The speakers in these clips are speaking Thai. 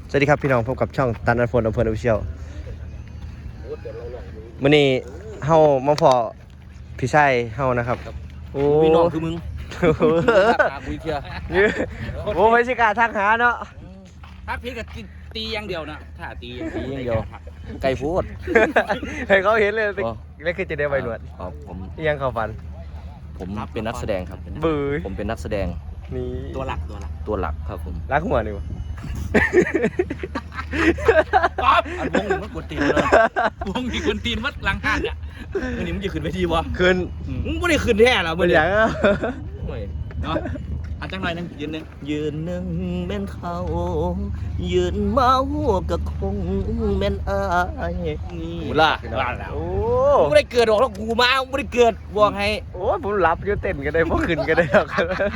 สวัสดีครับพี่น้องพบกับช่องตันอันโฟนอำเภอออฟฟิเชียลมื้อนี้เฮามาพอพี่ชายเฮานะครับโอ้พี่น้องคือมึงคุยเที่ยโอ้ไม่ใช่การทักหาเนาะถ้าพี่ก็ตีอย่างเดียวนะถ้าตีอย่างเดียวไก่พูดให้เขาเห็นเลยแล้วคือจะได้ใบหนวดครับผมยังเข้าฝันผมเป็นนักแสดงครับบื้อผมเป็นนักแสดงนี่ตัวหลักตัวหลักครับผมรักหัวนี่วะป๊อปอันวงนี่มันกดตีนเลยวงนี่กดตีนมัดหลังหันอ่ะวันนี้มึงจะขึ้นไปทีวะคืนมึงไม่ได้ขึ้นแท้หรอเป็นอย่างอ่ะเนาะอันจังหน่อยนึงยืนนึงยืนหนึ่งแม่นเขายืนเมาก็คงแม่นอายนี่หูล่ะว่าแล้วโอ้มึงไม่ได้เกิดหรอกแล้วกูมามึงไม่ได้เกิดบอกให้โอ้ผมหลับอยู่เต้นกันได้พวกขึ้นกันได้หรอก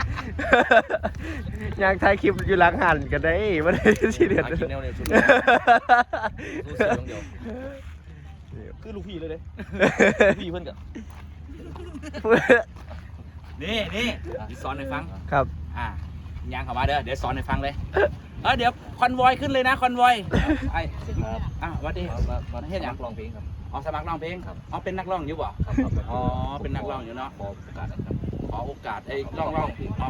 อยากถ่ายคลิปอยู่หลังหันกันได้ไม่ได้ซีเรียสกินแนวเนี่ยชุดรู้สึกเดียวคือลูกพี่เลยเด้พี่เพิ่นกับนี่สอนให้ฟังครับยังเข้ามาเด้อเดี๋ยวสอนให้ฟังเลยเดี๋ยวคอนวอยขึ้นเลยนะคอนวอยไอ้วัดดีมาเฮ็ดหยังร้องเพลงครับสมัครร้องเพลงเป็นนักร้องอยู่บ่เป็นนักร้องอยู่เนาะขอโอกาสนะครับขอโอกาสไอ้ร้องเรา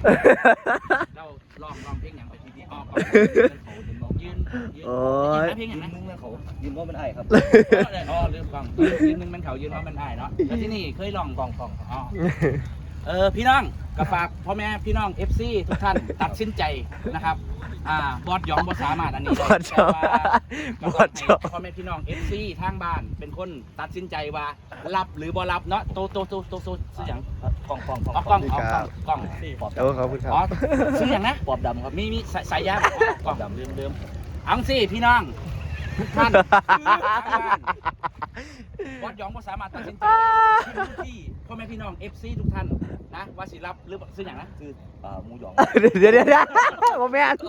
ร้องเพลงอย่างไปทียืนเพลงอย่างยืนั้นนนึงนะเขายืนว่าเป็นไอ้ครับลืมฟังยืนนึงมันเขายืนว่ามันได้เนาะแล้วที่นี่เคยร้องกองพี่น้องกับฝากพ่อแม่พี่น้อง FC ทุกท่านตัดสินใจนะครับบอสยอมบอสสามารถอันนี้พ่อแม่พี่น้อง FC ทางบ้านเป็นคนตัดสินใจว่ารับหรือบ่รับเนาะโตซื้ออย่างกล้องกล้องขอบคุณครับซื้ออย่างนะปอบดำครับมีสายยางกล้องเดิมอังสิพี่น้องทุกท่านบอสยอมบอสสามารถตัดสินใจที่พ่อแม่พี่น้อง FC ทุกท่านนะว่าสิรับหรือซื้ออย่างนะคือหมูหยองเดี๋ยวโมแมน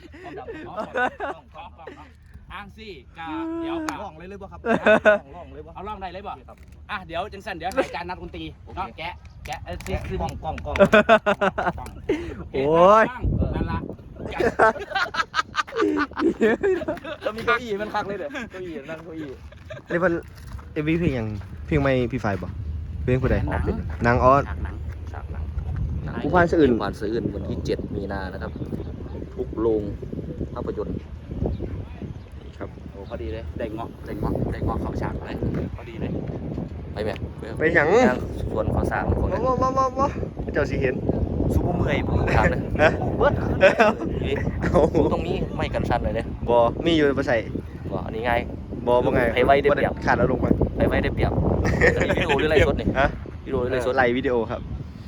อ้างสิกาเดี๋ยวการ้องเลยบ่ครับร้องเลยบ่เอาล่องได้เลยบ่เดี๋ยวจังสันเดี๋ยวรายการนัดดนตรีเนาะแกะคือกล้องโอ้ยนั่นละจะมีเก้าอี้มันคักเลยเด้อเก้าอี้นั่งเก้าอี้นี่เพิ่นเอวีเพลงยังเพลงไม่พี่ไฟบ่เพลงผู้ใดนางออสฉากหนังผู้พันสะอื่นผู้พันสะอื่นวันที่7 มีนานะครับ ทุกโรงภาพยนตร์ครับโอ้พอดีเลยได้เงาะเขาฉากเลยพอดีเลยไปไหมไปหยังส่วนข้อสร้างของนั้นบ่เจ้าสิเห็นซูเปอร์เมื่อยผมถามเลยฮะเบิดเอาตรงนี้ไม่กันสั้นเลยเนี่ยบ่มีอยู่บ่ใส่ว่าอันนี้ง่ายบ่ไงให้ไว้ได้เปรียบขาดแล้วลงมาไปไม่ได้เปรียบจะมีวิดีโอหรืออะไรสดนี่ฮะวิดีโอหรืออะไรสดไลฟ์วิดีโอครับ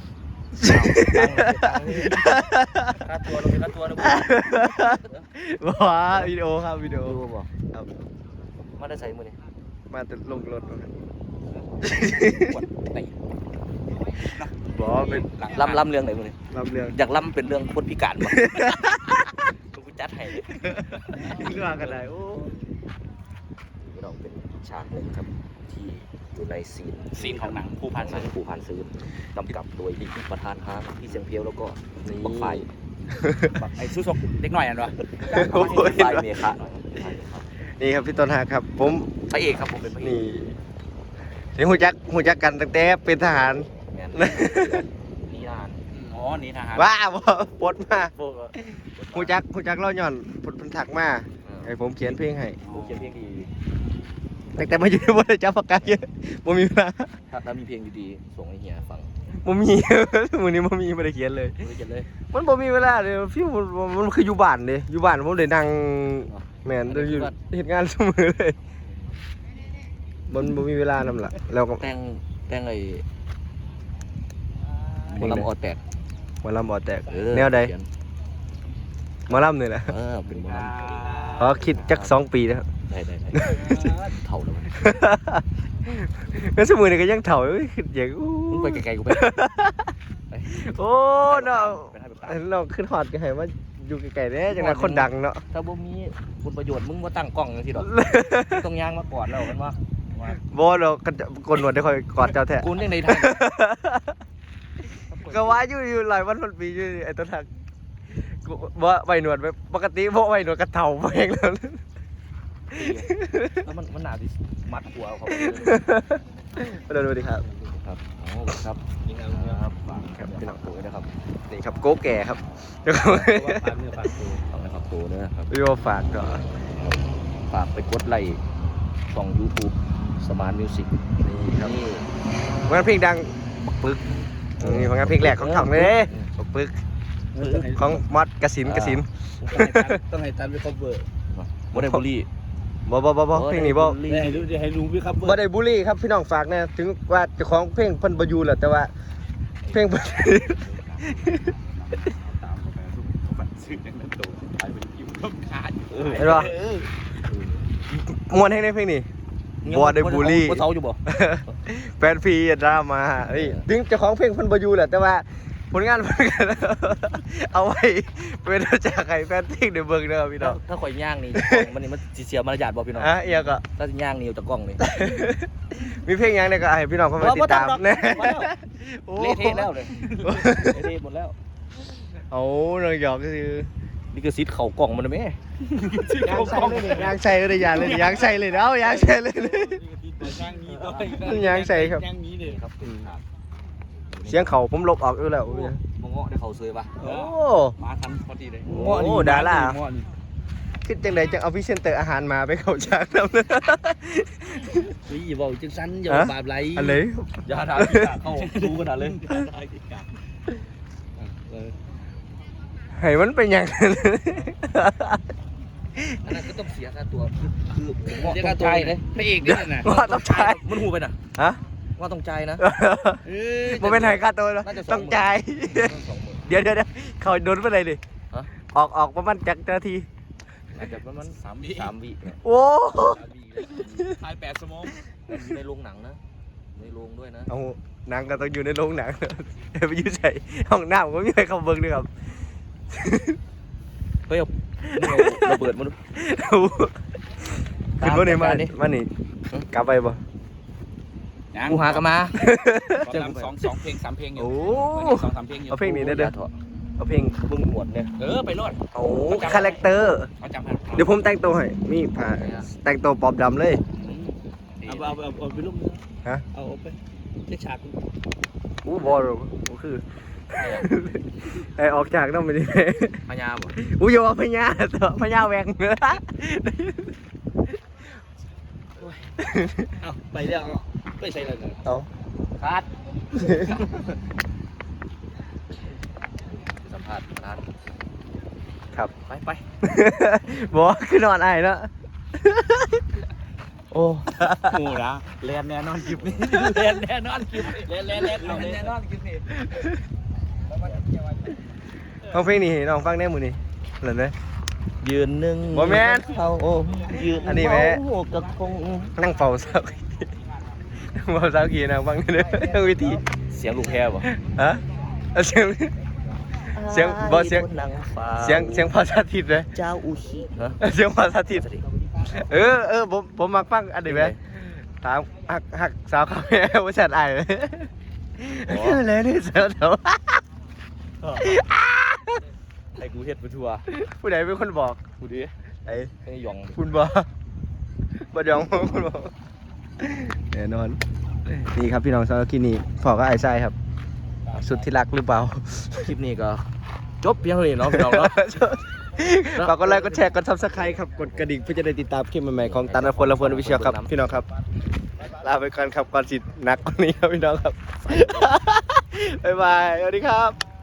ค่าตัวเราเป็นค่าตัวนะว้าวิดีโอครับวิดีโอดูบ่ครับมาได้ใส่มือนี่มาแต่ลงรถบ่ครับปวดไหนบ่เป็นล่ำเรื่องไหนมือนี่รับเรื่องอยากล่ำเป็นเรื่องคนพิการบ่กูจัดให้เรื่องกันได้โอ้เราเป็นฉากหนึ่งครับที่อยู่ในซีนของหนังผู้พันหนังผู้พันซื้อกำกับโดยประธานฮาพี่เสียงเพียวแล้วก็บักไฟไอ้สู้ศกเด็กหน่อยอันวะไฟเมฆะหน่อยนี่ครับพี่ต้นหักครับ ผมพระเอกครับผมเป็นพระเอกนี่หูจักกันตั้งแต่เป็นทหารแมนนี่นานนี่ทหารว้าบ่ปลดมาหูจักเล่าย่อนเพิ่นทักมาให้ผมเขียนเพลงให้ผมเขียนเพลงดีแต่มาอยู่บ่ได้จับปากกาเยอะบ่มีเวลาถ้ามีเพลงดีๆส่งให้เฮียฟังบ่มี มื้อนี้บ่มีบ่ได้เขียนเลยไม่เขียนเลยมันบ่มีเวลาเลยพี่มันคืออยู่บ้านเด้อยู่บ้านผมได้นั่งแม่นได้อยู่เฮ็ดงานเสมอเลยมันบ่มีเวลานำล่ะแล้วก็แต่งไอ้หมอลำออแตกหมอลำบ่แตกแนวใดหมอลำนี่แหละเป็นหมอลขอคิดจัก2 ปีนะครับำได้เท่าแล้วก็สมือนี่ก็ยังเฒ่าอยู่คืออย่างอู้มึงไปไกลๆกูไปโอ้เนาะเราขึ้นฮอดก็ให้ว่าอยู่ไกลๆแน่จังว่าคนดังเนาะถ้าบ่มีคุณประโยชน์มึงมาตั้งกล้องจังซี่ดอกต้องย่างมาก่อนแล้วกันว่าบ่ดอกกนหนวดได้ค่อยกอดเจ้าแท้กูยังในทางก็ว่าอยู่หลายวันพันปีอยู่ไอ้ต้นหักบ่ไว้หนวดไว้ปกติบ่ไว้หนวดกระเต่าแพงแล้วแล้วมันหนาดิมัดหัวเขาสวัสดีครับครับโอ้ครับยิงเอาครับครับพี่น้องตัวนะครับนี่ครับโก้แก่ครับเดี๋ยวเขาฝากเนื้อฝากตัวฝากนะครับตัวนะครับพี่ว่าฝากก่อนฝากไปกดไลค์ช่อง YouTube Smart Music นี่ครับนี่ผลงานเพลงดังบักปึกนี่ผลงานเพลงแรกของถังเลยบักปึกของมอดกสินต้องให้ตันไปคอเวอร์บ่ได้บุรีบ่เพลงนี้บ่ให้ลุงไปคอเวอร์บ่ได้บูลลี่ครับพี่น้องฝากนะถึงว่าเจ้าของเพลงเพิ่นบ่อยู่แหละแต่ว่าเพลงเพิ่นตามไปทุกฝันซื้ออย่างนั้นโตไปเป็นยิ้มต้มขาดเห็นป่ะมวนให้ในเพลงนี้บ่ได้บูลลี่บ่เซาอยู่บ่แฟนพีดราม่าเฮ้ยถึงเจ้าของเพลงเพิ่นบ่อยู่แหละแต่ว่าผลงานเพิ่นก็ เอาไว้เป็นจากให้แฟนเพลงได้เบิ่งเด้อพี่น้องถ้าข่อยย่างนี่มันนี่มันสิเสียมารยาทบ่พี่น้องอ่ะเอียก็ถ้าสิย่างนี่จากกล้องนี่มีเพลงหยังเนี่ยก็ให้พี่น้องเข้ามาติดตามแน่เละเทะแล้วเลยเละเทะหมดแล้วเอาน้องหยอกก็คือนี่คือซิดเข่ากล่องมันนะแม่ยางใส่เลยยางใส่เลยยางเลยยางใส่เลยเอายางใส่เลยย่างนี้ด้วยยางใส่ครับย่างนี้เลยครับเสียงเขาผมลบออกอยู่แล้วมงเงาะได้เขาเซยปะโอ้มาทันพอดีเลยโอ้ดาราคิดจังไดจังเอาพรีเซนเตอร์อาหารมาไปเข้าฉากนำเนอะนี่อย่าบอกจังสั้นอย่าบาปไหลอะไรอย่าด่าที่กาเข้าดูขนาดเลยให้มันเป็นอย่างนั้นอันนั้นก็ต้องเสียค่าตัวคือผมเรียกต้ว่าองตัวจ่ายเลเลย ยพระเอกนี่น่ะว่าต้องจ่ายมันหูไปน่ะฮะว่าต้องจ่ายนะมันเป็นไห้ค่าตัวนะน่าจะต้องจ่าย 20,000 เดี๋ยวเขาโดนไปเลยดิฮะออกประมาณจักนาทีอาจจะประมาณ3 วิเนี่ยโอ้ถ่าย8 ชั่วโมงในโรงหนังนะในโรงด้วยนะเอาหนังก็ต้องอยู่ในโรงหนัง ไปยืดใส่ห้องน้ำก็ไม่มีใครเข้าเบิ่งด้วยครับเฮ้ยเอาระเบิดมันขึ้นมาหน่อยมาตามดิมานี่กลับไปบ่กูหากันมาเจอ2 เพลง 3 เพลงอยู่โอ้ 2-3 เพลงอยู่เอาเพลงนี้ได้เด้อเอาเพลงมึงหมดเนี่ยไปรอดโอ้คาแรคเตอร์เขาจำให้เดี๋ยวผมแต่งตัวให้มีผ้าแต่งตัวปอบดำเลยเอาไปลูกฮะเอาไปเช็คฉากอู้บอลก็คือ ไอออกจากต้องไปดิพญาบ่อู้อย่าว่าพญาตัวพญาแหวงเนื้อเอาไปเดี๋ยวไปใส่เลยเอาคาดสัมภาษณ์ร้านครับไปบอกคือนอนไอ้แล้วโอ้โอ้ละแลนแน่นอนคลิปนี้แลนแน่นอนคลิปแลนแน่นอนคลิปนี้ฟังเพลงนี้น้องฟังได้มือนี่เหรอเนี่ยยืนหนึ่งบ่แม่นเขาโอ้ยืนอันนี้แม่โอ้กระคงนั่งเฝ้าสาวนั่งเฝ้าสาวกี่นางฟังได้เลยนั่งวิธีเสียงลูกแพรบ่ฮะเอาเสียง เสียงบ่เสียงนางฟ้าเสียงภาษาทิศเลยเจ้าอุชิฮะเสียงภาษาทิศผมมักฟังอันนี้ไหมถามหักสาวคาเฟ่ว่าฉันไอ้เลยเลยนี่เสียวเดี๋ยวให้กูเฮ็ดไปทั่วผู้ใดเป็นคนบอกกูดิไอ้ให้หยองคุณบอกบ่ยองคุณบอกแน่นอนนี่ครับพี่น้องสาวกินนี่พอก็ไอ้ไส้ครับ สุดที่รักหรือเปล่าคลิปนี้ก็จบเพียงเท่านี้เนาะพี่น้องเนาะฝากกดไลค์กดแชร์กด Subscribe ครับกดกระดิ่งเพื่อจะได้ติดตามคลิปใหม่ๆของตันพลวิเชียรครับพี่น้องครับลาไปก่อนครับก่อนสิหนักกว่านี้ครับพี่น้องครับบ๊ายบายสวัสดีครับ